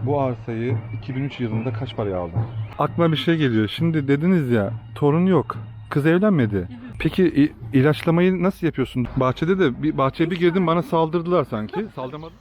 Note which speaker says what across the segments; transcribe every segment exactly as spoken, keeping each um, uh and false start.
Speaker 1: bu arsayı iki bin üç yılında kaç paraya aldın? Aklıma bir şey geliyor. Şimdi dediniz ya, torun yok. Kız evlenmedi. Peki i- ilaçlamayı nasıl yapıyorsun? Bahçede de bir bahçeye bir girdim, bana saldırdılar sanki. Saldırmadı.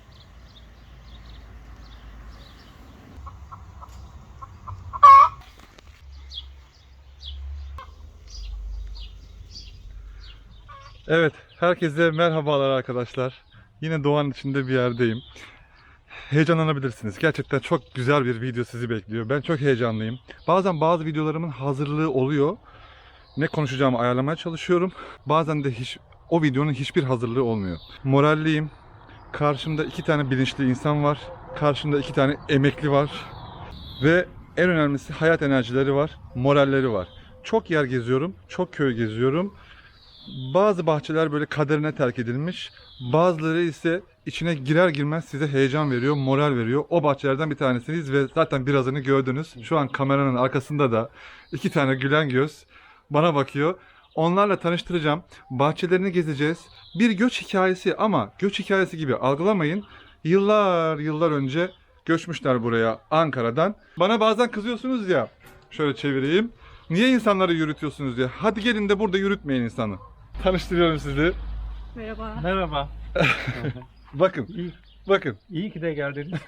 Speaker 1: Evet, herkese merhabalar arkadaşlar. Yine doğanın içinde bir yerdeyim. Heyecanlanabilirsiniz. Gerçekten çok güzel bir video sizi bekliyor. Ben çok heyecanlıyım. Bazen bazı videolarımın hazırlığı oluyor. Ne konuşacağımı ayarlamaya çalışıyorum. Bazen de hiç o videonun hiçbir hazırlığı olmuyor. Moralliyim. Karşımda iki tane bilinçli insan var. Karşımda iki tane emekli var. Ve en önemlisi hayat enerjileri var, moralleri var. Çok yer geziyorum, çok köy geziyorum. Bazı bahçeler böyle kaderine terk edilmiş. Bazıları ise içine girer girmez size heyecan veriyor, moral veriyor. O bahçelerden bir tanesiniz ve zaten birazını gördünüz. Şu an kameranın arkasında da iki tane gülen göz bana bakıyor. Onlarla tanıştıracağım. Bahçelerini gezeceğiz. Bir göç hikayesi ama göç hikayesi gibi algılamayın. Yıllar yıllar önce göçmüşler buraya Ankara'dan. Bana bazen kızıyorsunuz ya. Şöyle çevireyim. Niye insanları yürütüyorsunuz diye. Hadi gelin de burada yürütmeyin insanı. Tanıştırıyorum sizi.
Speaker 2: Merhaba.
Speaker 3: Merhaba.
Speaker 1: Bakın,
Speaker 3: İyi,
Speaker 1: bakın.
Speaker 3: iyi ki de geldiniz.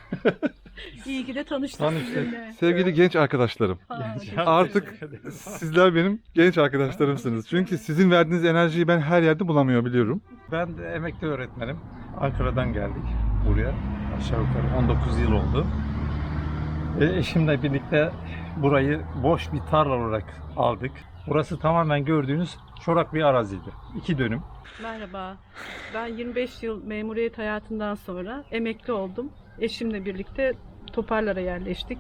Speaker 2: İyi ki de tanıştık
Speaker 3: Tanıştık.
Speaker 2: sizinle.
Speaker 1: Sevgili genç arkadaşlarım.
Speaker 2: Ha,
Speaker 3: Ya,
Speaker 1: Artık
Speaker 3: teşekkür ederim.
Speaker 1: sizler benim genç arkadaşlarımsınız. Çünkü sizin verdiğiniz enerjiyi ben her yerde bulamıyor biliyorum.
Speaker 3: Ben de emekli öğretmenim. Ankara'dan geldik buraya. Aşağı yukarı on dokuz yıl oldu. E, eşimle birlikte burayı boş bir tarla olarak aldık. Burası tamamen gördüğünüz çorak bir araziydi. İki dönüm.
Speaker 2: Merhaba. Ben yirmi beş yıl memuriyet hayatından sonra emekli oldum. Eşimle birlikte Toparlar'a yerleştik.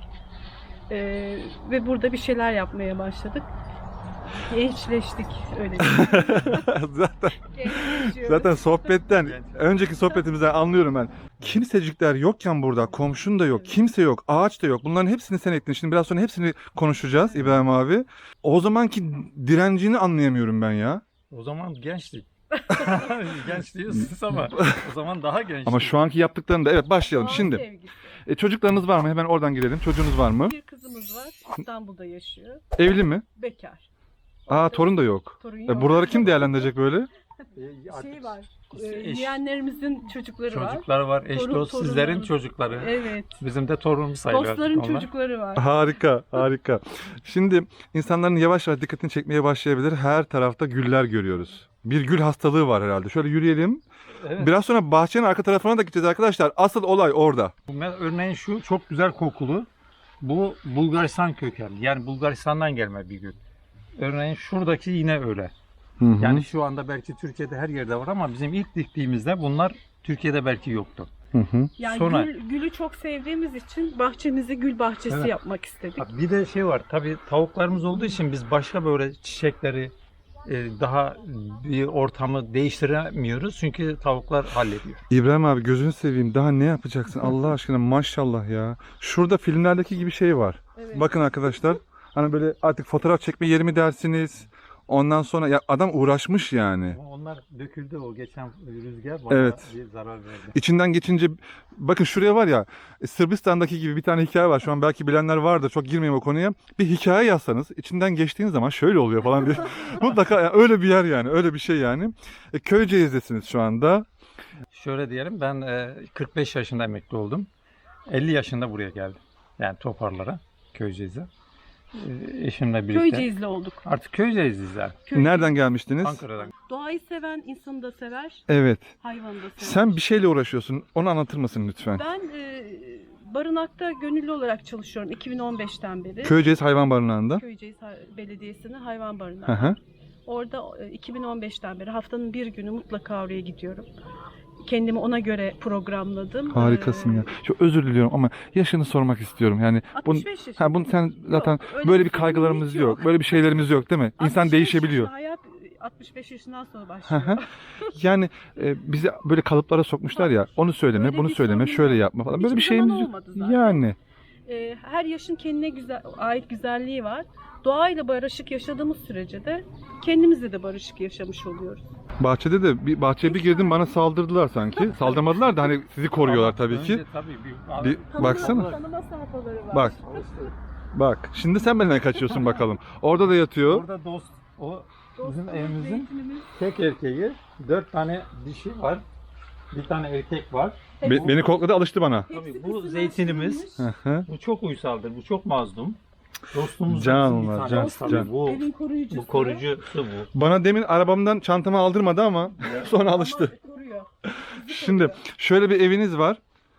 Speaker 2: Ee, ve burada bir şeyler yapmaya başladık. Gençleştik öyle diyeyim.
Speaker 1: zaten
Speaker 2: Gençleşiyoruz.
Speaker 1: zaten sohbetten, önceki sohbetimizden anlıyorum ben. Kimsecikler yokken burada, komşun da yok, kimse yok, ağaç da yok. Bunların hepsini sen ektin. Şimdi biraz sonra hepsini konuşacağız İbrahim abi. O zamanki direncini anlayamıyorum ben ya.
Speaker 3: O zaman gençtik. Genç diyorsunuz ama o zaman daha gençtik.
Speaker 1: Ama şu anki yaptıklarında evet başlayalım.
Speaker 2: Doğal
Speaker 1: Şimdi
Speaker 2: sevgisi.
Speaker 1: e, çocuklarınız var mı? Hemen oradan girelim. Çocuğunuz var mı?
Speaker 2: Bir kızımız var. İstanbul'da yaşıyor.
Speaker 1: Evli mi?
Speaker 2: Bekar.
Speaker 1: Aa, torun da yok.
Speaker 2: Torun
Speaker 1: E,
Speaker 2: yok.
Speaker 1: buraları kim değerlendirecek böyle?
Speaker 3: E, artık
Speaker 2: Şey var. E,
Speaker 3: eş-
Speaker 2: yeğenlerimizin çocukları var.
Speaker 3: Çocuklar var, eş
Speaker 2: Torun-
Speaker 3: dost, sizlerin
Speaker 2: torunlarımız-
Speaker 3: çocukları.
Speaker 2: Evet.
Speaker 3: Bizim de torunumuz sayılır.
Speaker 2: Dostların
Speaker 3: artık onlar.
Speaker 2: çocukları var.
Speaker 1: Harika, harika. Şimdi insanların yavaş yavaş dikkatini çekmeye başlayabilir. Her tarafta güller görüyoruz. Bir gül hastalığı var herhalde. Şöyle yürüyelim.
Speaker 3: Evet.
Speaker 1: Biraz sonra bahçenin arka tarafına da gideceğiz arkadaşlar. Asıl olay orada.
Speaker 3: Bu me- Örneğin şu çok güzel kokulu. Bu Bulgaristan kökenli. Yani Bulgaristan'dan gelme bir gül. Örneğin şuradaki yine öyle.
Speaker 1: Hı hı.
Speaker 3: Yani şu anda belki Türkiye'de her yerde var ama bizim ilk diktiğimizde bunlar Türkiye'de belki yoktu.
Speaker 1: Hı hı.
Speaker 2: Yani
Speaker 3: Sonra-
Speaker 2: gül, gülü çok sevdiğimiz için bahçemizi gül bahçesi
Speaker 3: Evet.
Speaker 2: yapmak istedik.
Speaker 3: Ha, bir de şey var. Tabii tavuklarımız olduğu için biz başka böyle çiçekleri e, daha bir ortamı değiştiremiyoruz. Çünkü tavuklar hallediyor.
Speaker 1: İbrahim abi gözünü seveyim. Daha ne yapacaksın Allah aşkına, maşallah ya. Şurada filmlerdeki gibi şey var.
Speaker 2: Evet.
Speaker 1: Bakın arkadaşlar. Hani böyle artık fotoğraf çekme yeri mi dersiniz? Ondan sonra ya adam uğraşmış yani.
Speaker 3: Ama onlar döküldü o geçen rüzgar bana
Speaker 1: Evet.
Speaker 3: bir zarar verdi.
Speaker 1: İçinden geçince bakın şuraya var ya, Sırbistan'daki gibi bir tane hikaye var. Şu an belki bilenler vardır. Çok girmeyeyim o konuya. Bir hikaye yazsanız içinden geçtiğiniz zaman şöyle oluyor falan diye. Mutlaka yani öyle bir yer yani. Öyle bir şey yani. E, Köyceğiz'desiniz şu anda.
Speaker 3: Şöyle diyelim ben e, kırk beş yaşında emekli oldum. elli yaşında buraya geldim. Yani Toparlar'a, Köyceğiz'e. E, eşimle birlikte.
Speaker 2: Köyceğizli olduk.
Speaker 3: Artık Köyceğiz'iz yani.
Speaker 2: Köyceğiz.
Speaker 1: Nereden gelmiştiniz?
Speaker 3: Ankara'dan.
Speaker 2: Doğayı seven insanı da sever,
Speaker 1: Evet.
Speaker 2: hayvanı da sever.
Speaker 1: Sen bir şeyle uğraşıyorsun. Onu anlatır mısın lütfen?
Speaker 2: Ben e, barınakta gönüllü olarak çalışıyorum iki bin on beşten beri.
Speaker 1: Köyceğiz Hayvan Barınağı'nda.
Speaker 2: Köyceğiz Ha- Belediyesi'nin hayvan
Speaker 1: Hı
Speaker 2: barınağı.
Speaker 1: hı.
Speaker 2: Orada e, iki bin on beşten beri haftanın bir günü mutlaka oraya gidiyorum. Kendimi ona göre programladım.
Speaker 1: Harikasın
Speaker 2: Ee,
Speaker 1: ya. Çok özür diliyorum ama yaşını sormak istiyorum. Yani bunu,
Speaker 2: altmış beş yaşında.
Speaker 1: ha bunu sen zaten
Speaker 2: Yok, öyle
Speaker 1: böyle bir
Speaker 2: bir
Speaker 1: kaygılarımız
Speaker 2: sorunumuz
Speaker 1: yok.
Speaker 2: yok.
Speaker 1: Böyle bir şeylerimiz yok değil mi? İnsan
Speaker 2: altmış beş
Speaker 1: değişebiliyor.
Speaker 2: yaşında hayat altmış beş yaşından sonra
Speaker 1: Hı
Speaker 2: başlıyor.
Speaker 1: hı. Yani e, bizi böyle kalıplara sokmuşlar ya. Onu söyleme,
Speaker 2: Öyle
Speaker 1: bunu
Speaker 2: bir
Speaker 1: söyleme,
Speaker 2: sorun
Speaker 1: şöyle
Speaker 2: yok.
Speaker 1: yapma falan. Böyle bir
Speaker 2: Hiçbir zaman
Speaker 1: şeyimiz yok.
Speaker 2: olmadı zaten.
Speaker 1: Yani
Speaker 2: Ee, her yaşın kendine güzel, ait güzelliği var. Doğayla barışık yaşadığımız sürece de kendimizle de barışık yaşamış oluyoruz.
Speaker 1: Bahçede de bir bahçeye bir girdim bana saldırdılar sanki. Saldırmadılar da hani sizi koruyorlar tabii ki.
Speaker 3: Önce tabii bir,
Speaker 1: Bir
Speaker 2: Tanıma-
Speaker 1: baksana.
Speaker 2: Tanıma sayfaları var.
Speaker 1: Bak. Bak. Şimdi sen benden kaçıyorsun bakalım. Orada da yatıyor.
Speaker 3: Orada dost, o bizim
Speaker 2: Dostumuz,
Speaker 3: evimizin
Speaker 2: zeytinimiz.
Speaker 3: tek erkeği, dört tane dişi var, bir tane erkek var.
Speaker 1: Be- beni kokladı, alıştı bana.
Speaker 2: Hepsi
Speaker 3: Tabii bu
Speaker 2: kısırlaştırılmış.
Speaker 3: zeytinimiz,
Speaker 1: Hı hı.
Speaker 3: bu çok uysaldır, bu çok mazlum. Dostumuz
Speaker 1: Can
Speaker 3: bizim bir
Speaker 1: onlar,
Speaker 3: tanesi
Speaker 1: can,
Speaker 3: tabii.
Speaker 1: can.
Speaker 3: Bu,
Speaker 2: Evin koruyucusu.
Speaker 3: bu koruyucusu bu.
Speaker 1: Bana demin arabamdan çantamı aldırmadı ama sonra alıştı.
Speaker 2: Ama koruyor. Bizi
Speaker 1: Şimdi
Speaker 2: koruyor.
Speaker 1: şöyle bir eviniz var.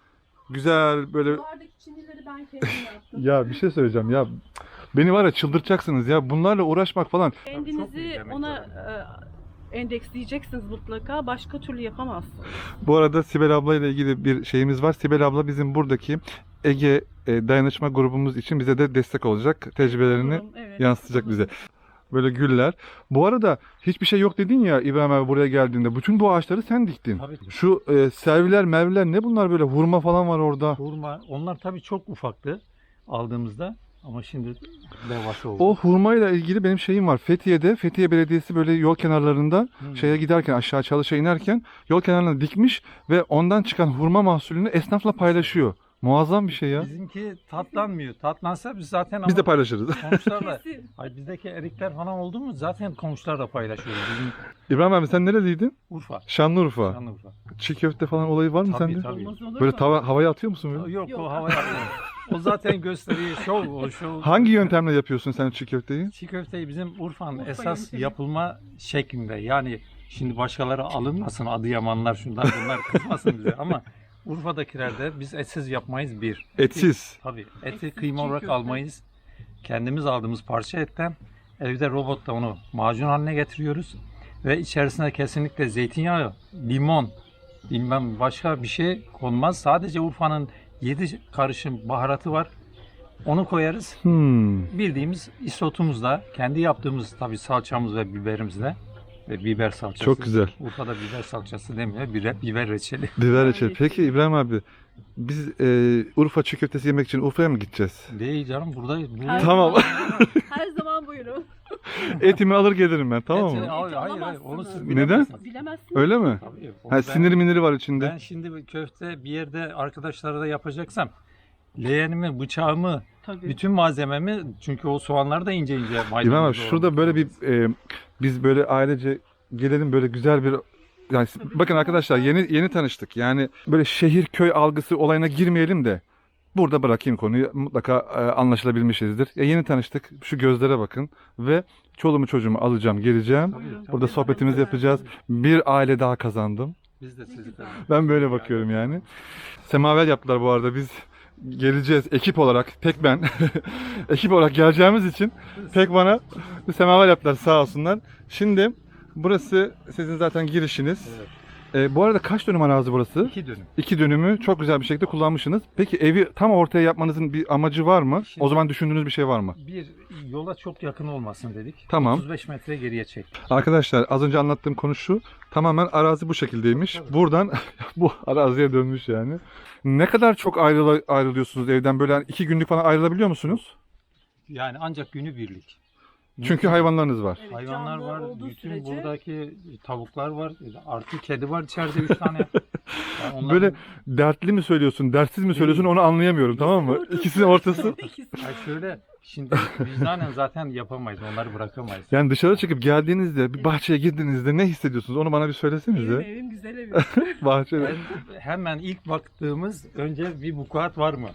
Speaker 1: Güzel böyle.
Speaker 2: Duvardaki çinileri ben kendim yaptım.
Speaker 1: Ya bir şey söyleyeceğim ya. Beni var ya çıldırtacaksınız ya. Bunlarla uğraşmak falan.
Speaker 3: Çok
Speaker 2: Kendinizi
Speaker 3: iyi demek
Speaker 2: ona
Speaker 3: yani.
Speaker 2: e, endeksleyeceksiniz mutlaka. Başka türlü yapamazsınız.
Speaker 1: Bu arada Sibel abla ile ilgili bir şeyimiz var. Sibel abla bizim buradaki Ege e, dayanışma grubumuz için bize de destek olacak. Tecrübelerini
Speaker 2: Olurum, evet.
Speaker 1: yansıtacak bize. Böyle güller. Bu arada hiçbir şey yok dedin ya İbrahim abi buraya geldiğinde. Bütün bu ağaçları sen diktin.
Speaker 3: Tabii.
Speaker 1: Şu e, serviler, merviler ne bunlar böyle? Hurma falan var orada.
Speaker 3: Hurma, onlar tabii çok ufaktı aldığımızda ama şimdi devasa oldu.
Speaker 1: O hurmayla ilgili benim şeyim var. Fethiye'de, Fethiye Belediyesi böyle yol kenarlarında
Speaker 3: Hmm.
Speaker 1: şeye giderken, aşağı çalışa inerken yol kenarına dikmiş ve ondan çıkan hurma mahsulünü esnafla paylaşıyor. Muazzam bir şey ya.
Speaker 3: Bizimki tatlanmıyor. Tatlansa biz zaten
Speaker 1: Biz de
Speaker 3: ama
Speaker 1: paylaşırız.
Speaker 3: komşularla,
Speaker 2: Kesin.
Speaker 3: ay bizdeki erikler falan oldu mu zaten komşularla paylaşıyoruz. Bizim
Speaker 1: İbrahim abi sen nereliydin?
Speaker 3: Urfa.
Speaker 1: Şanlıurfa.
Speaker 3: Şanlıurfa.
Speaker 1: Çiğ köfte falan olayı var mı
Speaker 3: Tabii,
Speaker 1: sende?
Speaker 3: tabii.
Speaker 2: Olmaz olur
Speaker 1: Böyle
Speaker 2: mu?
Speaker 1: tava, havaya atıyor musun böyle?
Speaker 3: Yok,
Speaker 2: Yok.
Speaker 3: o havaya atmıyor. O zaten gösteriyor şov, o şov.
Speaker 1: Hangi yöntemle yapıyorsun sen çiğ köfteyi?
Speaker 3: Çiğ köfteyi bizim Urfa'nın
Speaker 2: Urfa
Speaker 3: esas
Speaker 2: yöntemi.
Speaker 3: yapılma şeklinde. Yani şimdi başkaları alınmasın, Adıyamanlar şundan bunlar kızmasın bize ama Urfa'dakilerde biz etsiz yapmayız bir.
Speaker 1: Etsiz.
Speaker 3: Tabii. Eti
Speaker 2: Etsiz
Speaker 3: kıyma
Speaker 2: çiğ
Speaker 3: olarak
Speaker 2: köfte.
Speaker 3: almayız. Kendimiz aldığımız parça etten evde robotta onu macun haline getiriyoruz. Ve içerisine kesinlikle zeytinyağı, limon, bilmem başka bir şey konmaz. Sadece Urfa'nın yedi karışım baharatı var. Onu koyarız.
Speaker 1: Hmm.
Speaker 3: Bildiğimiz isotumuzla, kendi yaptığımız tabii salçamız ve biberimizle ve biber salçası.
Speaker 1: Çok güzel.
Speaker 3: Urfa'da biber salçası demiyor, biber, biber reçeli.
Speaker 1: Biber
Speaker 2: Yani-
Speaker 1: reçeli. Peki İbrahim abi biz e, Urfa çiğ köftesi yemek için Urfa'ya mı gideceğiz?
Speaker 3: Değil canım, burada...
Speaker 2: Her
Speaker 3: burada
Speaker 1: Tamam.
Speaker 2: zaman- Her zaman buyurun.
Speaker 1: Etimi alır gelirim ben tamam
Speaker 3: Eti-
Speaker 1: mı?
Speaker 3: hayır, hayır, hayır,
Speaker 2: alamazsınız.
Speaker 3: onu siz
Speaker 1: Neden?
Speaker 3: bilemezsiniz.
Speaker 2: Bilemezsiniz.
Speaker 1: Öyle mi?
Speaker 3: Tabii, onu
Speaker 1: Ha,
Speaker 3: ben-
Speaker 1: siniri miniri var içinde.
Speaker 3: Ben şimdi bir köfte bir yerde arkadaşlara da yapacaksam leğenimi, bıçağımı,
Speaker 2: Tabii.
Speaker 3: bütün malzememi çünkü o soğanlar da ince ince maydanoz.
Speaker 1: İbrahim abi şurada böyle bir e, biz böyle ailece gelelim böyle güzel bir yani bakın arkadaşlar yeni yeni tanıştık. Yani böyle şehir köy algısı olayına girmeyelim de burada bırakayım konuyu. Mutlaka e, anlaşılabilmişizdir. Ya yeni tanıştık. Şu gözlere bakın ve çoluğumu çocuğumu alacağım, geleceğim. Burada sohbetimizi yapacağız. Bir aile daha kazandım.
Speaker 3: Biz de sizi de.
Speaker 1: Ben böyle bakıyorum yani. Semaver yaptılar bu arada. Biz geleceğiz ekip olarak. Tek ben. Ekip olarak geleceğimiz için tek bana semaver yaptılar sağ olsunlar. Şimdi burası sizin zaten girişiniz.
Speaker 3: Evet.
Speaker 1: Ee, bu arada kaç dönüm arazi burası?
Speaker 3: İki dönüm.
Speaker 1: İki dönümü çok güzel bir şekilde kullanmışsınız. Peki evi tam ortaya yapmanızın bir amacı var mı?
Speaker 3: Şimdi-
Speaker 1: O zaman düşündüğünüz bir şey var mı?
Speaker 3: Bir yola çok yakın olmasın dedik.
Speaker 1: Tamam.
Speaker 3: otuz beş metre geriye çektik.
Speaker 1: Arkadaşlar az önce anlattığım konu şu. Tamamen arazi bu şekildeymiş. Buradan bu araziye dönmüş yani. Ne kadar çok ayrıla, ayrılıyorsunuz evden? Böyle hani iki günlük falan ayrılabiliyor musunuz?
Speaker 3: Yani ancak günü birlik.
Speaker 1: Çünkü hayvanlarınız var.
Speaker 2: Evet,
Speaker 3: Hayvanlar
Speaker 2: canlı
Speaker 3: var,
Speaker 2: olduğu
Speaker 3: bütün
Speaker 2: sürece-
Speaker 3: buradaki tavuklar var, artı kedi var içeride üç tane. Yani onların-
Speaker 1: Böyle dertli mi söylüyorsun, dertsiz mi söylüyorsun onu anlayamıyorum tamam mı? İkisinin ortası.
Speaker 2: İkisi.
Speaker 3: Ay şöyle, şimdi vicdanen zaten yapamayız, onları bırakamayız.
Speaker 1: Yani dışarı çıkıp geldiğinizde, bir bahçeye girdiğinizde ne hissediyorsunuz? Onu bana bir
Speaker 2: Evim,
Speaker 1: söylesenize.
Speaker 2: evim güzel evim.
Speaker 1: Bahçede.
Speaker 3: Ben- hemen ilk baktığımız önce bir vukuat var mı?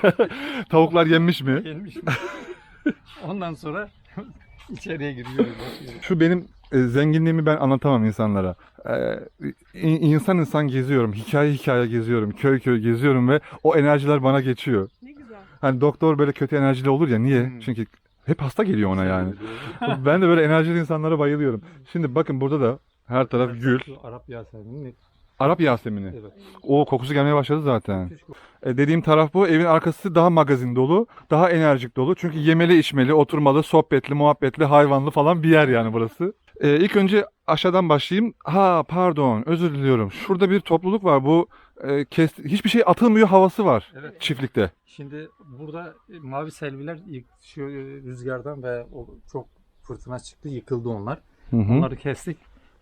Speaker 1: Tavuklar yenmiş mi?
Speaker 3: Gelmiş mi? Ondan sonra içeriye giriyoruz. bakıyoruz.
Speaker 1: Şu benim e, zenginliğimi ben anlatamam insanlara. Ee, in- insan insan geziyorum, hikaye hikaye geziyorum, köy köy geziyorum ve o enerjiler bana geçiyor.
Speaker 2: Ne güzel.
Speaker 1: Hani doktor böyle kötü enerjili olur ya niye?
Speaker 3: Hmm.
Speaker 1: Çünkü hep hasta geliyor ona yani. Ben de böyle enerjili insanlara bayılıyorum. Şimdi bakın burada da her taraf gül.
Speaker 3: Şu Arap Yasemin'in
Speaker 1: Arap Yasemini.
Speaker 3: evet.
Speaker 1: O kokusu gelmeye başladı zaten.
Speaker 3: Müthiş koku.
Speaker 1: E, dediğim taraf bu. Evin arkası daha magazin dolu, daha enerjik dolu. Çünkü yemeli, içmeli, oturmalı, sohbetli, muhabbetli, hayvanlı falan bir yer yani burası. E, ilk önce aşağıdan başlayayım. Ha pardon, özür diliyorum. Şurada bir topluluk var. Bu e, kes, hiçbir şey atılmıyor havası var
Speaker 3: Evet.
Speaker 1: çiftlikte.
Speaker 3: Şimdi burada mavi selviler yık- şu rüzgardan ve o çok fırtına çıktı, yıkıldı onlar.
Speaker 1: Hı hı.
Speaker 3: Onları kestik.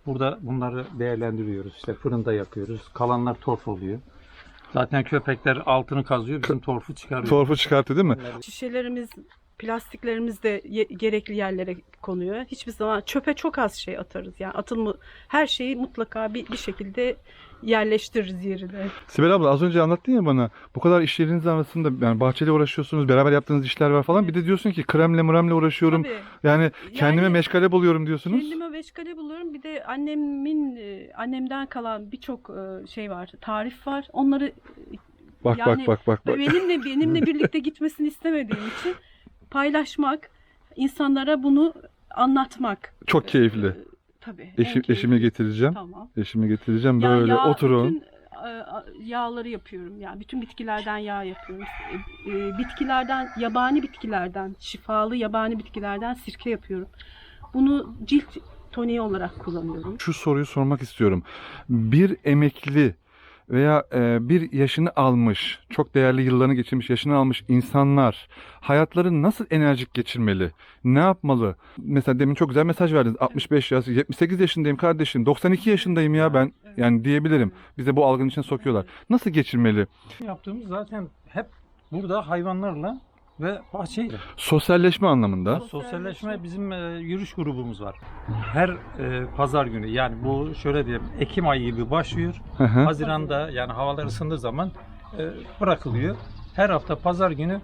Speaker 3: Burada bunları değerlendiriyoruz. İşte fırında yapıyoruz. Kalanlar torf oluyor. Zaten köpekler altını kazıyor, bizim torfu çıkarıyor.
Speaker 1: Torfu çıkarttı değil mi?
Speaker 2: Şişelerimiz, plastiklerimiz de ye- gerekli yerlere konuyor. Hiçbir zaman çöpe çok az şey atarız. Yani atılma her şeyi mutlaka bir, bir şekilde yerleştiririz yerine.
Speaker 1: Sibel abla az önce anlattın ya bana bu kadar işleriniz arasında yani bahçeyle uğraşıyorsunuz, beraber yaptığınız işler var falan. Bir de diyorsun ki kremle mremle uğraşıyorum.
Speaker 2: Tabii.
Speaker 1: Yani kendime
Speaker 2: Yani
Speaker 1: meşgale buluyorum diyorsunuz.
Speaker 2: Kendime meşgale buluyorum. Bir de annemin e, annemden kalan birçok e, şey var, tarif var. Onları
Speaker 1: Bak
Speaker 2: yani
Speaker 1: bak bak bak bak.
Speaker 2: benimle benimle birlikte gitmesini istemediğim için paylaşmak, insanlara bunu anlatmak.
Speaker 1: Çok keyifli.
Speaker 2: Ee, tabii. en
Speaker 1: Eşim,
Speaker 2: keyifli.
Speaker 1: eşimi getireceğim.
Speaker 2: Tamam.
Speaker 1: Eşimi getireceğim
Speaker 2: Ya
Speaker 1: böyle
Speaker 2: yağ,
Speaker 1: oturun.
Speaker 2: Bütün e, yağları yapıyorum. Yani bütün bitkilerden yağ yapıyorum. E, e, bitkilerden, yabani bitkilerden, şifalı yabani bitkilerden sirke yapıyorum. Bunu cilt toniği olarak kullanıyorum.
Speaker 1: Şu soruyu sormak istiyorum. Bir emekli veya e, bir yaşını almış, çok değerli yıllarını geçirmiş, yaşını almış insanlar hayatlarını nasıl enerjik geçirmeli? Ne yapmalı? Mesela demin çok güzel mesaj verdiniz. altmış beş yaş, yetmiş sekiz yaşındayım kardeşim, doksan iki yaşındayım ya ben. Yani diyebilirim. Bize bu algının içine sokuyorlar. Nasıl geçirmeli?
Speaker 3: Yaptığımız zaten hep burada hayvanlarla ve bahçeyle.
Speaker 1: Sosyalleşme anlamında.
Speaker 3: Sosyalleşme bizim e, yürüyüş grubumuz var. Her e, pazar günü, yani bu şöyle diyelim, Ekim ayı gibi başlıyor.
Speaker 1: Hı hı.
Speaker 3: Haziran'da, yani havalar ısındığı zaman e, bırakılıyor. Her hafta pazar günü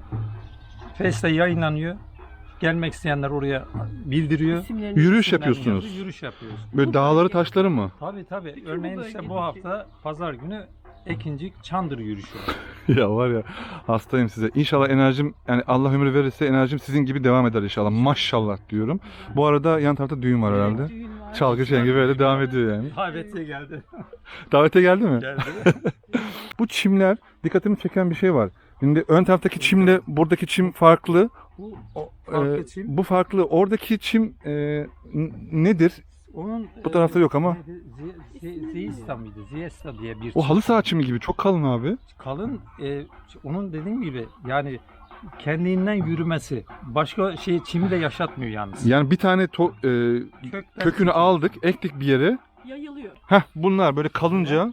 Speaker 3: Face'te yayınlanıyor. Gelmek isteyenler oraya bildiriyor.
Speaker 2: İsimlerini-
Speaker 1: Yürüyüş
Speaker 3: İsimlerini
Speaker 1: yapıyorsunuz.
Speaker 3: yazıyor, Yürüyüş yapıyoruz.
Speaker 1: Böyle dağları taşları mı?
Speaker 3: Tabii tabii.
Speaker 2: Bütün bu
Speaker 3: Örneğin işte bu
Speaker 2: bölgedeki-
Speaker 3: hafta pazar günü Ekincik Çandır yürüyüşü var.
Speaker 1: Ya var ya hastayım size. İnşallah enerjim yani Allah ömür verirse enerjim sizin gibi devam eder inşallah. Maşallah diyorum. Bu arada yan tarafta düğün var herhalde.
Speaker 2: Düğün var.
Speaker 1: Çalgı çengi böyle devam ediyor yani.
Speaker 3: Davetiye geldi.
Speaker 1: Davete geldi mi?
Speaker 3: Geldi.
Speaker 1: Bu çimler dikkatimi çeken bir şey var. Şimdi ön taraftaki çimle buradaki çim farklı.
Speaker 3: Bu o,
Speaker 1: Ee,
Speaker 3: farklı çim.
Speaker 1: bu farklı. Oradaki çim e, n- nedir?
Speaker 3: Onun
Speaker 1: bu tarafta yok ama.
Speaker 3: Ziyesta mıydı? Ziyesta diye bir
Speaker 1: O halı
Speaker 3: çim.
Speaker 1: saha çimi gibi çok kalın abi.
Speaker 3: Kalın, e, onun dediğim gibi yani kendinden yürümesi. Başka şey çimi de yaşatmıyor yalnız.
Speaker 1: Yani bir tane to- e,
Speaker 3: Kökten-
Speaker 1: kökünü aldık, ektik bir yere.
Speaker 2: Yayılıyor.
Speaker 1: Heh bunlar böyle kalınca.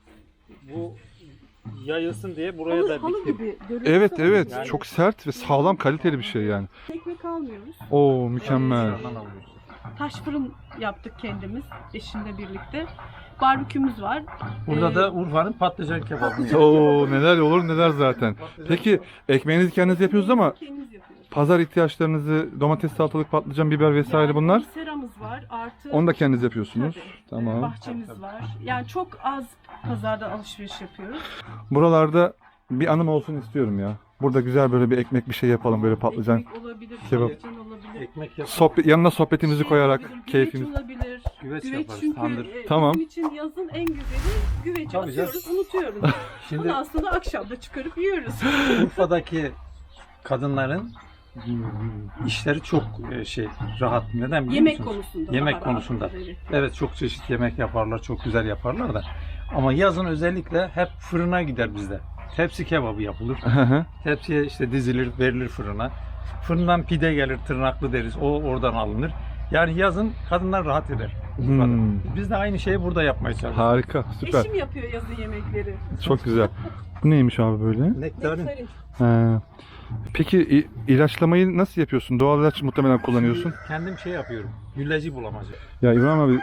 Speaker 3: Bu yayılsın diye buraya
Speaker 2: Halı,
Speaker 3: da
Speaker 2: halı
Speaker 3: diktim.
Speaker 2: gibi. görüyorsun
Speaker 1: Evet
Speaker 2: ama
Speaker 1: evet
Speaker 3: Yani-
Speaker 1: çok sert ve sağlam kaliteli bir şey yani.
Speaker 2: Ekmek almıyoruz.
Speaker 1: Oo mükemmel.
Speaker 3: Dışarıdan alıyoruz.
Speaker 2: Taş fırın yaptık kendimiz eşimle birlikte. Barbekümüz var.
Speaker 3: Burada
Speaker 2: Ee,
Speaker 3: da Urfa'nın patlıcan kebabını
Speaker 2: patlıcan-
Speaker 3: yapıyoruz.
Speaker 1: Oo neler olur neler zaten. Peki ekmeğinizi kendiniz yapıyorsunuz ama
Speaker 2: Kendimiz yapıyoruz.
Speaker 1: pazar ihtiyaçlarınızı domates, salatalık, patlıcan, biber vesaire
Speaker 2: Yani
Speaker 1: bunlar
Speaker 2: seramız var. Artı
Speaker 1: onu da kendiniz yapıyorsunuz.
Speaker 2: Tabii.
Speaker 1: Tamam.
Speaker 2: Bahçemiz var. Yani çok az pazardan alışveriş yapıyoruz.
Speaker 1: Buralarda bir anım olsun istiyorum ya. Burada güzel böyle bir ekmek bir şey yapalım böyle patlıcan.
Speaker 2: Ekmek olabilir,
Speaker 1: kebap.
Speaker 2: patlıcan olabilir.
Speaker 3: Ekmek yapıp
Speaker 1: Sohbet, yanına sohbetimizi
Speaker 2: Şey
Speaker 1: koyarak
Speaker 2: olabilir,
Speaker 1: keyfimiz.
Speaker 2: Güveç olabilir.
Speaker 3: güveç,
Speaker 2: Güveç
Speaker 3: yaparız.
Speaker 2: çünkü
Speaker 3: Tandır.
Speaker 2: e,
Speaker 1: Tamam.
Speaker 2: bizim için yazın en güzeli güveci
Speaker 3: Tabii
Speaker 2: atıyoruz, unutuyoruz.
Speaker 3: Şimdi
Speaker 2: Ondan sonra akşam da çıkarıp yiyoruz.
Speaker 3: Urfa'daki kadınların işleri çok e, şey rahat. Neden biliyor
Speaker 2: Yemek
Speaker 3: musunuz?
Speaker 2: konusunda.
Speaker 3: Yemek
Speaker 2: daha
Speaker 3: konusunda.
Speaker 2: rahat, evet.
Speaker 3: Evet, çok çeşit yemek yaparlar, çok güzel yaparlar da. Ama yazın özellikle hep fırına gider bizde. Tepsi kebabı yapılır.
Speaker 1: Hı hı.
Speaker 3: Tepsiye işte dizilir, verilir fırına. Fırından pide gelir, tırnaklı deriz. O oradan alınır. Yani yazın kadınlar rahat eder. Urfa'da.
Speaker 1: Hmm.
Speaker 3: Biz de aynı şeyi burada yapmaya çalışıyoruz.
Speaker 1: Harika, süper.
Speaker 2: Eşim yapıyor yazın yemekleri.
Speaker 1: Çok güzel. Bu neymiş abi böyle?
Speaker 3: Nektarin.
Speaker 2: Nektarin.
Speaker 1: He. Peki i- ilaçlamayı nasıl yapıyorsun? Doğal ilaç muhtemelen kullanıyorsun.
Speaker 3: Kendim şey yapıyorum. Gülleci bulamacı.
Speaker 1: Ya İbrahim abi...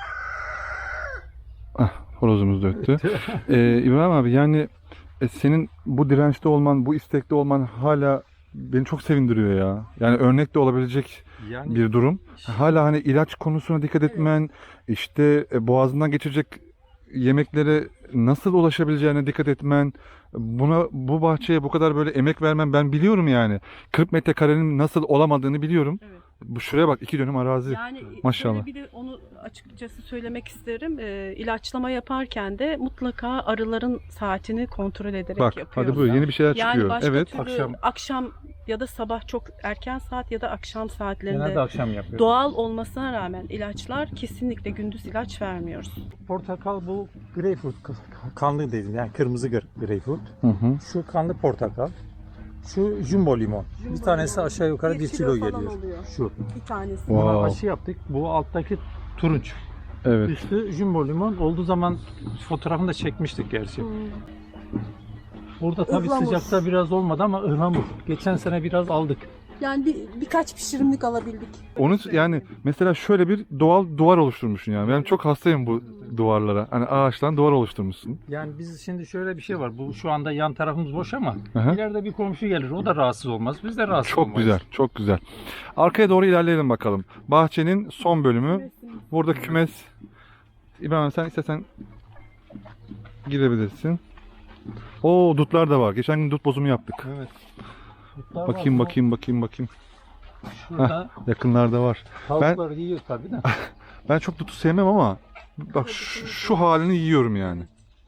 Speaker 1: Ah, horozumuz da öttü. Ee, İbrahim abi yani e, senin bu dirençte olman, bu istekte olman hala beni çok sevindiriyor ya. Yani örnek de olabilecek
Speaker 3: Yani
Speaker 1: bir durum. Hala hani ilaç konusuna dikkat etmen, işte e, boğazından geçirecek yemeklere nasıl ulaşabileceğine dikkat etmen, buna bu bahçeye bu kadar böyle emek vermen ben biliyorum yani. kırk metrekarenin nasıl olamadığını biliyorum.
Speaker 2: Evet.
Speaker 1: Bu şuraya bak iki dönüm arazi.
Speaker 2: Yani
Speaker 1: Maşallah.
Speaker 2: şöyle bir de onu açıkçası söylemek isterim. Ee, ilaçlama yaparken de mutlaka arıların saatini kontrol ederek
Speaker 1: Bak
Speaker 2: yapıyoruz.
Speaker 1: hadi buyur yeni bir şeyler
Speaker 2: Yani
Speaker 1: çıkıyor.
Speaker 2: başka
Speaker 1: Evet.
Speaker 2: türlü
Speaker 3: Akşam.
Speaker 2: akşam. ya da sabah çok erken saat ya da akşam saatlerinde
Speaker 3: genelde akşam yapıyorum.
Speaker 2: doğal olmasına rağmen ilaçlar kesinlikle gündüz ilaç vermiyoruz.
Speaker 3: Portakal bu greyfurt kanlı dedim, yani kırmızı gre- greyfurt.
Speaker 1: Hı hı.
Speaker 3: Şu kanlı portakal. Şu jumbo limon. bir tanesi aşağı yukarı
Speaker 2: Bir
Speaker 3: bir
Speaker 2: kilo
Speaker 3: kilo
Speaker 2: falan
Speaker 3: falan
Speaker 2: oluyor.
Speaker 3: Şu.
Speaker 2: Bir tanesi.
Speaker 1: Wow.
Speaker 3: Buna aşı yaptık. Bu alttaki turunç.
Speaker 1: Evet.
Speaker 3: Üstü jumbo limon. Olduğu zaman fotoğrafını da çekmiştik gerçi.
Speaker 2: Hmm.
Speaker 3: Burada tabii
Speaker 2: Ihlamur.
Speaker 3: sıcakta biraz olmadı ama ıhlamur. Geçen sene biraz aldık.
Speaker 2: Yani bir, birkaç pişirimlik alabildik.
Speaker 1: Onu yani mesela şöyle bir doğal duvar oluşturmuşsun yani. Ben çok hastayım bu duvarlara. Hani ağaçtan duvar oluşturmuşsun.
Speaker 3: Yani biz şimdi şöyle bir şey var. Bu şu anda yan tarafımız boş ama
Speaker 1: Aha.
Speaker 3: ileride bir komşu gelir. O da rahatsız olmaz. Biz de rahatsız
Speaker 1: Çok
Speaker 3: olmayız.
Speaker 1: güzel, çok güzel. Arkaya doğru ilerleyelim bakalım. Bahçenin son bölümü. Burada kümes. İbrahim sen istersen girebilirsin. Oo, dutlar da var. Geçen gün dut bozumu yaptık.
Speaker 3: Evet. Dutlar
Speaker 1: Bakayım,
Speaker 3: var.
Speaker 1: bakayım, bakayım, bakayım.
Speaker 3: Şurada
Speaker 1: Yakınlarda var.
Speaker 3: tavuklar yiyor tabii de.
Speaker 1: Ben çok dutu sevmem ama bak şu, şu halini yiyorum yani.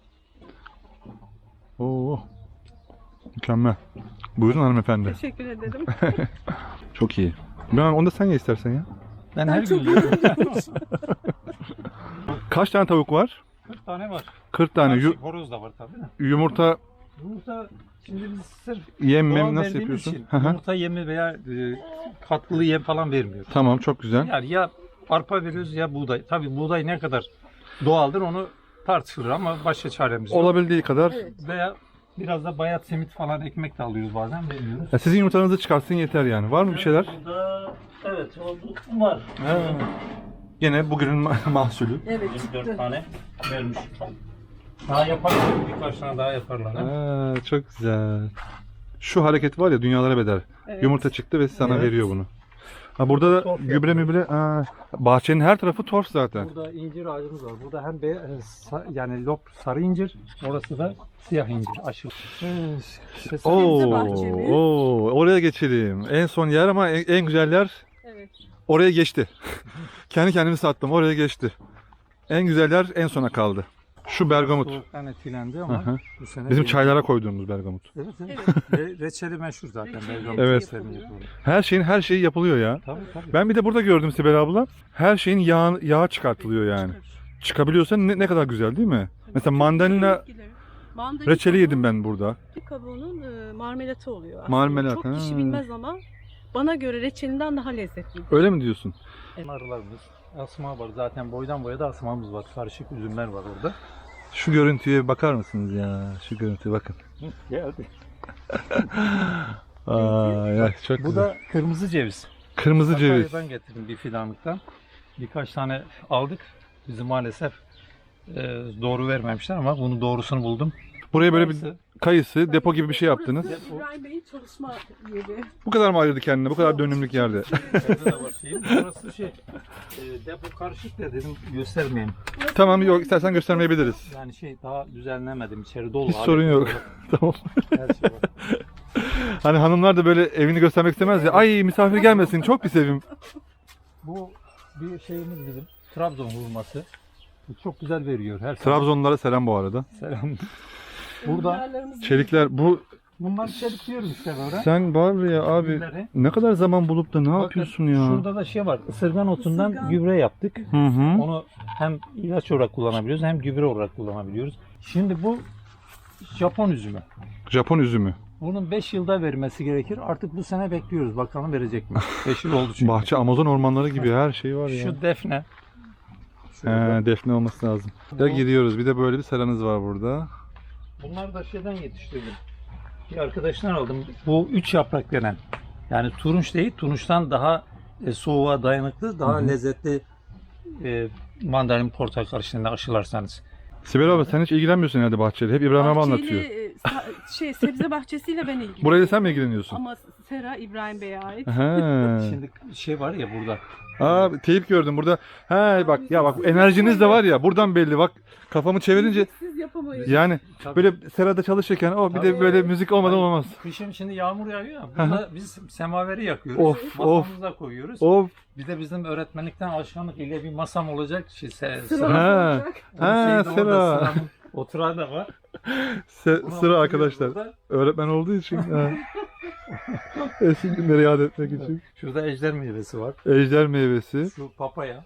Speaker 1: Oo. Mükemmel. Buyurun hanımefendi.
Speaker 2: Teşekkür ederim.
Speaker 1: Çok iyi. Ben onu da sen ye istersen ya.
Speaker 3: Ben,
Speaker 2: Ben
Speaker 3: her
Speaker 2: çok
Speaker 3: gün yiyorum.
Speaker 1: Kaç tane tavuk var?
Speaker 3: kırk tane var.
Speaker 1: kırk tane. Yu-
Speaker 3: Karışık horoz da var tabii de.
Speaker 1: yumurta
Speaker 3: Yumurta şimdi biz sırf
Speaker 1: yem
Speaker 3: doğal
Speaker 1: mem nasıl
Speaker 3: verdiğimiz
Speaker 1: yapıyorsun?
Speaker 3: için
Speaker 1: Hı hı.
Speaker 3: yumurta yemi veya e, katkılı yem falan vermiyoruz.
Speaker 1: Tamam, çok güzel.
Speaker 3: Yani ya arpa veriyoruz ya buğday. Tabii buğday ne kadar doğaldır onu tartışılır ama başka çaremiz yok.
Speaker 1: Olabildiği kadar.
Speaker 2: Evet.
Speaker 3: Veya biraz da bayat simit falan ekmek de alıyoruz bazen veriyoruz.
Speaker 1: Ya sizin yumurtanızı çıkarsın yeter yani. Var mı bir şeyler?
Speaker 3: Burada evet o var.
Speaker 1: Yine bugünün ma- mahsulü.
Speaker 2: Evet.
Speaker 3: dört tane vermiş. Daha yaparlar birkaç tane daha yaparlar. ha?
Speaker 1: Aa, çok güzel. Şu hareket var ya dünyalara bedel.
Speaker 2: Evet.
Speaker 1: Yumurta çıktı ve sana
Speaker 3: Evet.
Speaker 1: veriyor bunu. Ha, burada da
Speaker 3: Torf
Speaker 1: gübre
Speaker 3: yapıyor.
Speaker 1: mübre. Aa, bahçenin her tarafı torf zaten.
Speaker 3: Burada incir ağacımız var. Burada hem be, e, sa- yani lop sarı incir, orası da siyah incir. Aşırı. Evet, işte
Speaker 1: Oo,
Speaker 2: bahçemiz.
Speaker 1: oo, oraya geçelim. En son yer ama en, en güzel yer
Speaker 2: Evet.
Speaker 1: oraya geçti. Kendi kendimi sattım. Oraya geçti. En güzel yer en sona kaldı. Şu bergamot.
Speaker 3: Soğuktan etkilendi
Speaker 1: Hı
Speaker 3: ama
Speaker 1: hı.
Speaker 3: bu sene
Speaker 1: Bizim
Speaker 3: değil.
Speaker 1: çaylara koyduğumuz bergamot.
Speaker 3: Evet, evet.
Speaker 2: Evet.
Speaker 3: Re- reçeli meşhur zaten.
Speaker 2: Reçeli
Speaker 3: Bergamot
Speaker 1: Evet.
Speaker 3: reçelini yapıyoruz.
Speaker 1: Her şeyin her şeyi yapılıyor ya.
Speaker 3: Tabii tabii.
Speaker 1: Ben bir de burada gördüm Sibel abla. Her şeyin yağ, yağı çıkartılıyor yani. Çıkabiliyorsa ne, ne kadar güzel değil mi? Mesela mandalina
Speaker 2: Mandalina
Speaker 1: reçeli yedim
Speaker 2: kabuğu-
Speaker 1: ben burada.
Speaker 2: Kabuğunun e, marmelatı oluyor aslında.
Speaker 1: Marmelat,
Speaker 2: Çok
Speaker 1: ha.
Speaker 2: kişi bilmez ama bana göre reçelinden daha lezzetli.
Speaker 1: Öyle mi diyorsun?
Speaker 3: Arılarımız, asma var. Zaten boydan boya da asmamız var. Karışık üzümler var orada.
Speaker 1: Şu görüntüye bakar mısınız ya? Şu görüntüye bakın.
Speaker 3: Geldi.
Speaker 1: Aa, ya çok
Speaker 3: Bu
Speaker 1: güzel.
Speaker 3: da kırmızı ceviz.
Speaker 1: Kırmızı ceviz.
Speaker 3: Sakarya'dan getirdim bir fidanlıktan. Birkaç tane aldık. Bizi maalesef e, doğru vermemişler ama bunun doğrusunu buldum.
Speaker 1: Buraya böyle bir
Speaker 3: Kayısı.
Speaker 1: kayısı, depo gibi bir şey yaptınız.
Speaker 2: Burası İbrahim Bey'in çalışma yeri.
Speaker 1: Bu kadar mı ayırdı kendine? Bu kadar dönümlük yerde.
Speaker 3: Evde de var şeyim. Burası şey, e, depo karışık da dedim göstermeyeyim.
Speaker 1: Tamam, yok istersen göstermeyebiliriz.
Speaker 3: Yani şey daha düzenlemedim. İçeri dolu.
Speaker 1: Hiç sorun
Speaker 3: alet
Speaker 1: yok.
Speaker 3: var.
Speaker 1: Tamam.
Speaker 3: Her şey var.
Speaker 1: Hani hanımlar da böyle evini göstermek istemez ya. Ay misafir gelmesin, çok bir sevim.
Speaker 3: Bu bir şeyimiz bizim. Trabzon hurması. Bu çok güzel veriyor her sabah.
Speaker 1: Trabzonlulara selam bu arada.
Speaker 3: Selam. Burada
Speaker 2: Enginarlarımız-
Speaker 1: Çelikler bu
Speaker 3: bunlar çelik diyoruz işte böyle.
Speaker 1: sen var ya abi
Speaker 3: Gülleri.
Speaker 1: ne kadar zaman bulup da ne
Speaker 3: Bakın,
Speaker 1: yapıyorsun ya?
Speaker 3: Şurada da şey var. Isırgan otundan
Speaker 2: Isırgan.
Speaker 3: gübre yaptık.
Speaker 1: Hı hı.
Speaker 3: Onu hem ilaç olarak kullanabiliyoruz hem gübre olarak kullanabiliyoruz. Şimdi bu Japon üzümü.
Speaker 1: Japon üzümü.
Speaker 3: Bunun beş yılda vermesi gerekir. Artık bu sene bekliyoruz. Bakalım verecek mi? beş yıl oldu çünkü.
Speaker 1: Bahçe Amazon ormanları gibi her şey var ya.
Speaker 3: Şu defne.
Speaker 1: He,
Speaker 3: Şurada.
Speaker 1: defne olması lazım. Ya gidiyoruz. Bir de böyle bir seranız var burada.
Speaker 3: Bunlar da şeyden yetiştirdim. Bir arkadaştan aldım. Bu üç yaprak denen. Yani turunç değil, turunçtan daha e, soğuğa dayanıklı, daha
Speaker 1: Hı hı.
Speaker 3: lezzetli e, mandalin portakal karıştığında aşılarsanız.
Speaker 1: Sibel abi sen hiç ilgilenmiyorsun herhalde bahçeyle. Hep İbrahim abi
Speaker 2: Bahçeyle,
Speaker 1: anlatıyor.
Speaker 2: e, sa- şey sebze bahçesiyle ben ilgileniyorum.
Speaker 1: Burayla sen mi ilgileniyorsun?
Speaker 2: Ama sera İbrahim Bey'e ait.
Speaker 1: He.
Speaker 3: Şimdi şey var ya burada.
Speaker 1: Aa, teyip gördüm burada. He bak ya bak enerjiniz de var ya buradan belli bak kafamı çevirince
Speaker 2: Siz yapamayız.
Speaker 1: yani
Speaker 3: Tabii.
Speaker 1: böyle serada çalışırken o bir de
Speaker 3: Tabii.
Speaker 1: böyle müzik olmadan
Speaker 3: Hani
Speaker 1: olmaz.
Speaker 3: Kışın şimdi yağmur yağıyor ya. Burada biz semaveri yakıyoruz.
Speaker 1: Of, of.
Speaker 3: Masamıza koyuyoruz.
Speaker 1: Of.
Speaker 3: Bir de bizim öğretmenlikten alışkanlık ile bir masam olacak. Şey, se,
Speaker 2: Sıra
Speaker 3: sıra.
Speaker 1: Ha.
Speaker 2: olacak.
Speaker 1: Ha,
Speaker 3: Şeyde orada
Speaker 1: sıra.
Speaker 3: sıramın Oturağı da var.
Speaker 1: Se-
Speaker 3: Bunu
Speaker 1: sıra
Speaker 3: oturuyoruz
Speaker 1: arkadaşlar.
Speaker 3: burada.
Speaker 1: Öğretmen olduğu için. ha. Eski günleri yad etmek için.
Speaker 3: Şurada ejder meyvesi var.
Speaker 1: Ejder meyvesi.
Speaker 3: Şu papaya.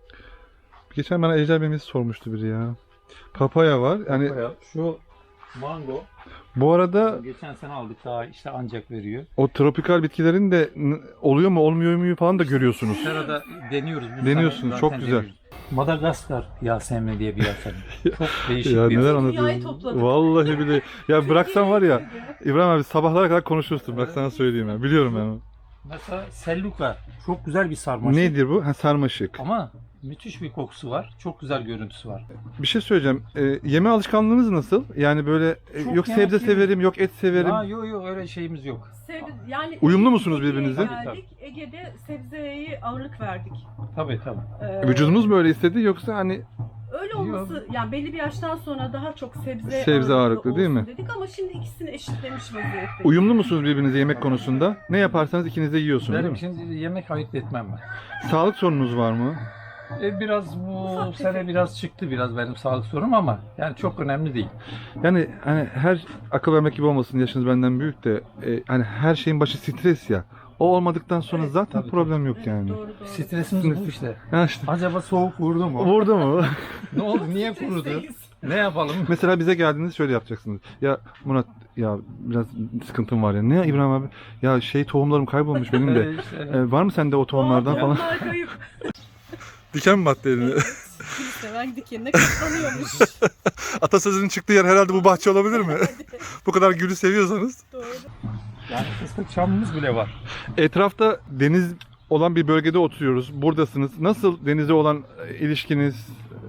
Speaker 1: Geçen bana ejder meyvesi sormuştu biri ya. Papaya var. Yani
Speaker 3: papaya. Şu mango.
Speaker 1: bu arada
Speaker 3: Geçen sene aldık daha işte ancak veriyor.
Speaker 1: o tropikal bitkilerin de n- oluyor mu olmuyor mu falan da görüyorsunuz.
Speaker 3: Serada deniyoruz. Bu
Speaker 1: Deniyorsun,
Speaker 3: sene
Speaker 1: çok
Speaker 3: zaten
Speaker 1: güzel.
Speaker 3: deniyoruz. Madagaskar Yasemin diye bir Yasemin. Çok değişik
Speaker 1: Ya
Speaker 3: bir
Speaker 1: neler
Speaker 2: Dünyayı
Speaker 1: anlatıyorsun?
Speaker 2: topladık.
Speaker 1: Vallahi bile. Ya bıraksan var ya İbrahim abi sabahlara kadar konuşursun. Bak sana söyleyeyim ya. Biliyorum ben.
Speaker 3: Mesela selluka. Çok güzel bir sarmaşık.
Speaker 1: Nedir bu? Ha, sarmaşık.
Speaker 3: Ama müthiş bir kokusu var. Çok güzel görüntüsü var.
Speaker 1: Bir şey söyleyeceğim. Ee, yeme alışkanlığınız nasıl? Yani böyle e,
Speaker 3: Çok
Speaker 1: yok
Speaker 3: yemek
Speaker 1: sebze
Speaker 3: yerim.
Speaker 1: severim, yok et severim.
Speaker 3: Ha, yok yok öyle şeyimiz yok.
Speaker 2: Sebze, yani
Speaker 1: Uyumlu musunuz
Speaker 2: Ege'ye
Speaker 1: birbirinize?
Speaker 2: Geldik. Ege'de sebzeye ağırlık verdik.
Speaker 3: Tabii tabii.
Speaker 2: Ee,
Speaker 1: Vücudunuz mu öyle istedi yoksa hani
Speaker 2: Öyle olması, yani belli bir yaştan sonra daha çok sebze,
Speaker 1: Sebze ağırlıklı değil
Speaker 2: olsun
Speaker 1: mi?
Speaker 2: dedik ama şimdi ikisini eşitlemiş vaziyette.
Speaker 1: uyumlu musunuz birbirinize yemek konusunda? Ne yaparsanız ikiniz de yiyorsunuz değil
Speaker 3: Benim
Speaker 1: mi?
Speaker 3: şimdi yemek ayırt etmem ben.
Speaker 1: Sağlık sorununuz var mı?
Speaker 3: E, biraz bu
Speaker 2: Ufak
Speaker 3: sene
Speaker 2: tefek.
Speaker 3: biraz çıktı biraz benim sağlık sorunum ama yani çok önemli değil.
Speaker 1: Yani hani her akıl vermek gibi olmasın, yaşınız benden büyük de e, hani her şeyin başı stres ya. O olmadıktan sonra
Speaker 2: Evet,
Speaker 1: zaten
Speaker 3: tabii,
Speaker 1: problem yok
Speaker 2: Evet,
Speaker 1: yani.
Speaker 2: doğru doğru.
Speaker 3: Stresimiz bu işte.
Speaker 1: Ha işte.
Speaker 3: Acaba soğuk vurdu mu?
Speaker 1: Vurdu mu?
Speaker 3: Ne oldu? Niye kurudu?
Speaker 2: Stresteyiz.
Speaker 3: Ne yapalım?
Speaker 1: Mesela bize geldiğinizde şöyle yapacaksınız. Ya Murat ya biraz sıkıntım var ya. Ne İbrahim abi? Ya şey tohumlarım kaybolmuş benim de.
Speaker 3: Ee, işte,
Speaker 1: E, var mı sende o tohumlardan
Speaker 2: Aa,
Speaker 1: falan?
Speaker 2: tohumlar kayıp.
Speaker 1: Diken mi battı eline?
Speaker 2: Evet. Gül seven dikenine katlanıyormuş.
Speaker 1: Atasözünün çıktığı yer herhalde bu bahçe olabilir mi? Bu kadar gülü seviyorsanız.
Speaker 2: Doğru.
Speaker 3: yani fıstık çamımız bile var.
Speaker 1: Etrafta deniz olan bir bölgede oturuyoruz. Buradasınız. Nasıl denize olan e, ilişkiniz?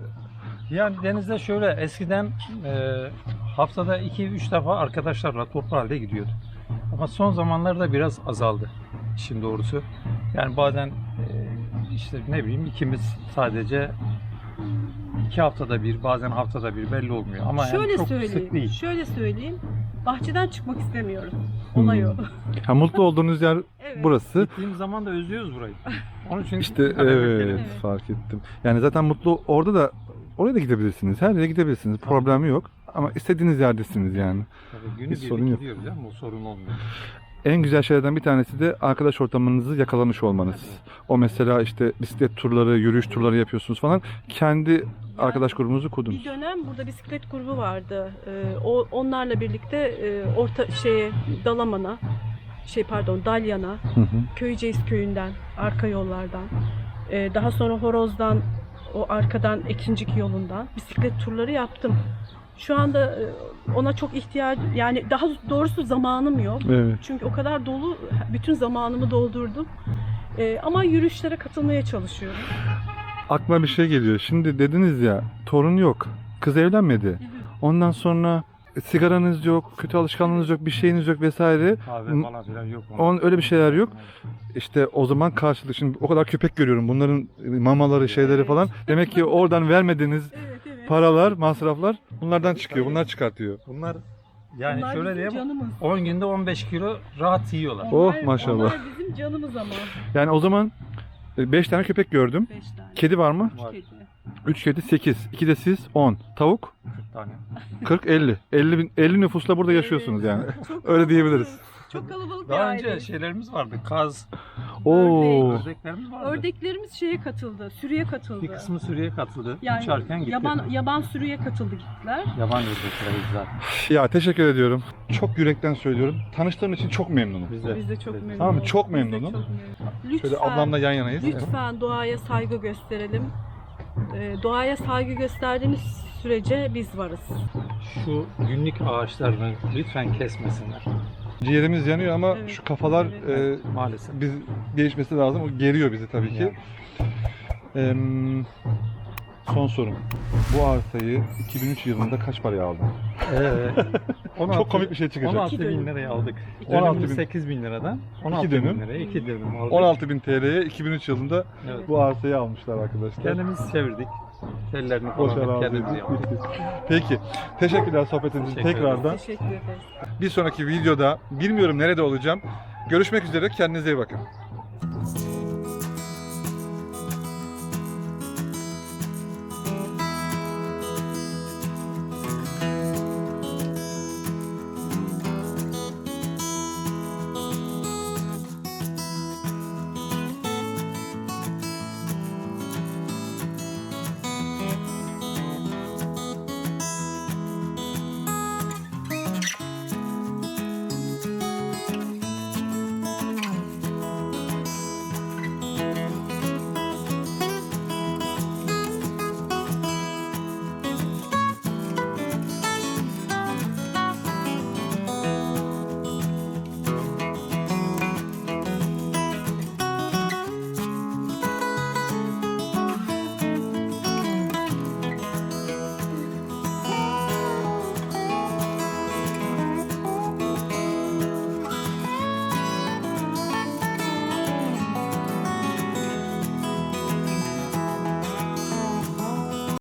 Speaker 3: Yani denizde şöyle eskiden e, haftada iki üç defa arkadaşlarla toplu halde gidiyorduk. Ama son zamanlarda biraz azaldı işin doğrusu. Yani bazen e, işte ne bileyim ikimiz sadece iki haftada bir bazen haftada bir belli olmuyor. Ama yani
Speaker 2: Şöyle
Speaker 3: çok sık
Speaker 2: söyleyeyim.
Speaker 3: değil.
Speaker 2: Şöyle söyleyeyim. Bahçeden çıkmak istemiyorum. Olay o.
Speaker 1: Hmm. Ha, mutlu olduğunuz yer
Speaker 2: Evet.
Speaker 1: burası.
Speaker 3: Gittiğimiz zaman da özlüyoruz burayı. Onun için
Speaker 1: İşte
Speaker 3: karar
Speaker 1: evet,
Speaker 3: verdik.
Speaker 2: Evet.
Speaker 1: fark ettim. Yani zaten mutlu orada da oraya da gidebilirsiniz. Her yere gidebilirsiniz. Problemi yok. Ama istediğiniz yerdesiniz yani.
Speaker 3: Tabii günü
Speaker 1: Hiç
Speaker 3: birlik
Speaker 1: sorun yok.
Speaker 3: gidiyoruz ama o sorun olmuyor.
Speaker 1: En güzel şeylerden bir tanesi de arkadaş ortamınızı yakalamış olmanız. O mesela işte bisiklet turları, yürüyüş turları yapıyorsunuz falan. Kendi arkadaş grubunuzu
Speaker 2: Bir
Speaker 1: kurdunuz.
Speaker 2: dönem burada bisiklet grubu vardı. Ee, o onlarla birlikte e, orta şeye Dalaman'a, şey pardon Dalyan'a,
Speaker 1: Hı hı.
Speaker 2: Köyceğiz köyünden, arka yollardan, e, daha sonra Horoz'dan, o arkadan Ekincik yolundan bisiklet turları yaptım. Şu anda e, ona çok ihtiyaç, yani daha doğrusu zamanım yok.
Speaker 1: Evet.
Speaker 2: Çünkü o kadar dolu, bütün zamanımı doldurdum. E, ama yürüyüşlere katılmaya çalışıyorum.
Speaker 1: Aklıma bir şey geliyor. Şimdi dediniz ya torun yok. Kız evlenmedi. Ondan sonra sigaranız yok, kötü alışkanlığınız yok, bir şeyiniz yok vesaire.
Speaker 3: Kahve falan filan yok.
Speaker 1: On öyle bir şeyler yok. İşte o zaman karşılık. Şimdi o kadar köpek görüyorum. Bunların mamaları, şeyleri
Speaker 2: Evet.
Speaker 1: falan. Demek ki oradan vermediğiniz
Speaker 2: Evet, evet.
Speaker 1: paralar, masraflar bunlardan çıkıyor. Bunlar çıkartıyor.
Speaker 3: Bunlar yani
Speaker 2: Onlar
Speaker 3: şöyle
Speaker 2: bizim
Speaker 3: diyeyim
Speaker 2: canımız.
Speaker 3: on günde on beş kilo rahat yiyorlar.
Speaker 1: Oh,
Speaker 2: Onlar-
Speaker 1: maşallah.
Speaker 2: Onlar bizim canımız ama.
Speaker 1: Yani o zaman beş tane köpek gördüm.
Speaker 2: Beş tane.
Speaker 1: Kedi var mı?
Speaker 3: Var
Speaker 2: Kedi.
Speaker 1: üç kedi, sekiz. iki de siz, on. Tavuk?
Speaker 3: kırk tane.
Speaker 1: kırk, elli. elli, bin, elli nüfusla burada yaşıyorsunuz yani.
Speaker 2: Çok
Speaker 1: Öyle diyebiliriz.
Speaker 2: Çok kalabalık bir
Speaker 3: Daha
Speaker 2: aile.
Speaker 3: önce şeylerimiz vardı. Kaz,
Speaker 1: Oo.
Speaker 3: ördeklerimiz vardı.
Speaker 2: Ördeklerimiz şeye katıldı, sürüye katıldı.
Speaker 3: Bir kısmı sürüye katıldı.
Speaker 2: yani
Speaker 3: Uçarken gitti.
Speaker 2: yaban yaban sürüye katıldı gittiler.
Speaker 3: Yaban ördekleri zaten.
Speaker 1: Ya teşekkür ediyorum. Çok yürekten söylüyorum. Tanıştığım için çok memnunum.
Speaker 3: Biz de.
Speaker 2: Biz de çok memnun
Speaker 1: Tamam mı?
Speaker 2: olduk.
Speaker 1: Çok
Speaker 2: Biz de
Speaker 1: memnunum.
Speaker 2: çok memnunum. Lütfen,
Speaker 1: Şöyle ablamla yan yanayız.
Speaker 2: lütfen doğaya saygı gösterelim. Ee, doğaya saygı gösterdiğimiz sürece biz varız.
Speaker 3: Şu günlük ağaçlarını lütfen kesmesinler.
Speaker 1: Ciğerimiz yanıyor ama
Speaker 2: Evet,
Speaker 1: şu kafalar
Speaker 2: evet.
Speaker 1: e,
Speaker 3: Maalesef.
Speaker 1: biz değişmesi lazım. O geriyor bizi tabii ki. Em, son sorum. Bu arsayı iki bin üç yılında kaç paraya aldın?
Speaker 3: Ee, on altı
Speaker 1: Çok komik bir şey çıkacak.
Speaker 3: on altı
Speaker 2: İki
Speaker 3: bin
Speaker 2: dönüm.
Speaker 3: liraya aldık.
Speaker 1: on altı
Speaker 3: Dönümünü
Speaker 1: bin.
Speaker 3: sekiz bin liradan on altı
Speaker 1: dönüm.
Speaker 3: bin liraya iki dönüm aldık.
Speaker 1: on altı bin T L'ye iki bin üç yılında
Speaker 3: Evet.
Speaker 1: bu arsayı almışlar arkadaşlar.
Speaker 3: Kendimiz çevirdik. Tellerini
Speaker 1: Boş
Speaker 3: falan
Speaker 1: arazi.
Speaker 3: kendimiz yaptık.
Speaker 1: Peki. Teşekkürler sohbetiniz için
Speaker 3: Teşekkür
Speaker 1: tekrardan.
Speaker 2: Teşekkür ederiz.
Speaker 1: Bir sonraki videoda bilmiyorum nerede olacağım. Görüşmek üzere. Kendinize iyi bakın.